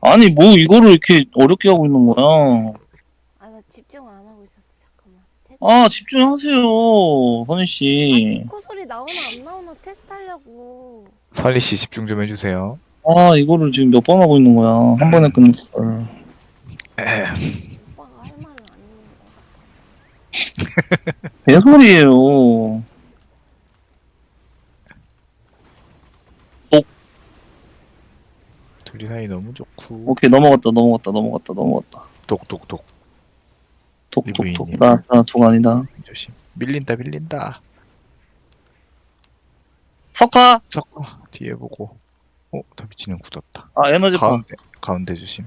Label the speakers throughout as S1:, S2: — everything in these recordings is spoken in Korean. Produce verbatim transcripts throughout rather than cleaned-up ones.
S1: 아니 뭐 이거를 이렇게 어렵게 하고 있는 거야.
S2: 아, 나 집중 안 하고 있었어. 잠깐만. 테스트.
S1: 아 집중하세요 선희
S2: 아,
S1: 씨.
S2: 디코 소리 나오나 안 나오나 테스트 하려고.
S3: 설리 씨 집중 좀 해주세요.
S1: 아 이거를 지금 몇 번 하고 있는 거야. 한 번에 끝낼 걸.
S2: 오빠가 할 말은 안 있는 것 같아.
S1: 개소리예요.
S3: 둘이 사이 너무 좋고.
S1: 오케이 넘어갔다 넘어갔다 넘어갔다 넘어갔다.
S3: 독독독.
S1: 톡톡톡.
S3: 이브이님.
S1: 나스나 독 아니다.
S3: 조심. 밀린다 밀린다.
S1: 석화.
S3: 섞어. 뒤에 보고. 어, 다비치는 굳었다.
S1: 아 에너지파.
S3: 가운데 가운데 조심.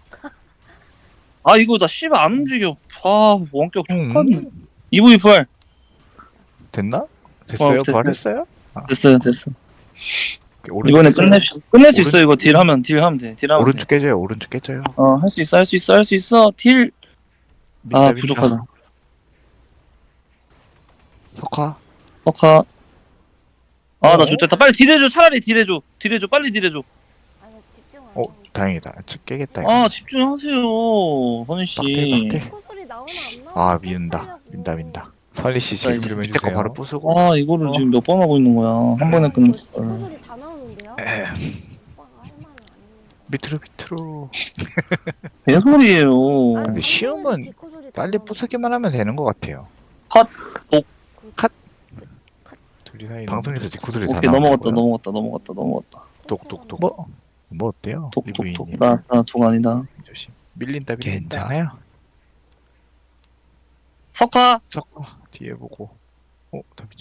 S1: 아 이거 나 씨발 안 움직여. 아 원격
S3: 음.
S1: 촉하네. 이브이 부활.
S3: 됐나? 됐어요?
S1: 어, 됐-
S3: 부활했어요?
S1: 됐어요 됐어.
S3: 오른쪽
S1: 이번에
S3: 깨져요.
S1: 끝낼 수 끝낼 수
S3: 오른쪽-
S1: 있어 이거 딜하면 딜하면 돼. 딜하면 돼.
S3: 오른쪽 깨져요. 오른쪽 깨져요.
S1: 어 할 수 있어 할 수 있어 할 수 있어 딜.
S3: 민다,
S1: 아
S3: 민다.
S1: 부족하다.
S3: 석화.
S1: 석화. 아 나
S3: 어?
S1: 좋겠다. 빨리 딜해줘. 차라리 딜해줘. 딜해줘. 빨리 딜해줘.
S2: 아, 나 집중 안
S3: 어,
S2: 하고 있었어.
S3: 다행이다. 저 깨겠다 이거.
S1: 아 집중하세요 선희 씨.
S3: 빡대, 빡대.
S2: 디코 소리 나오나 안 나오나
S3: 아,
S2: 테스트
S3: 민다.
S2: 하려고.
S3: 민다 민다. 설리 씨
S1: 자,
S3: 집중
S1: 이제
S3: 좀 밑에 거 해주세요. 바로 부수고.
S1: 아 이거를
S3: 어.
S1: 지금 몇 번 하고 있는 거야. 한 번에
S2: 아,
S1: 끝낼
S2: 이거 디코
S1: 걸.
S2: 소리 다 나오는데요? 오빠가 할 말은 안 있는 것 같아.
S3: 밑으로 밑으로.
S1: 개소리예요.
S2: 아니,
S3: 근데 쉬움은
S2: 방송에서 디코 소리 다
S3: 빨리
S2: 나오는데.
S3: 부수기만 하면 되는 것 같아요.
S1: 컷.
S3: 둘이 사이 방송에서 디코들이 다
S1: 오케이 넘어갔다
S3: 나온다고요?
S1: 넘어갔다 넘어갔다 넘어갔다.
S3: 똑똑똑. 뭐? 뭐 어때요?
S1: 톡톡톡.
S3: 이브이님.
S1: 나스나 독 아니다.
S3: 조심. 밀린다 밀린다. 괜찮아요.
S1: 석화.
S3: 석화 뒤에 보고. 어, 다비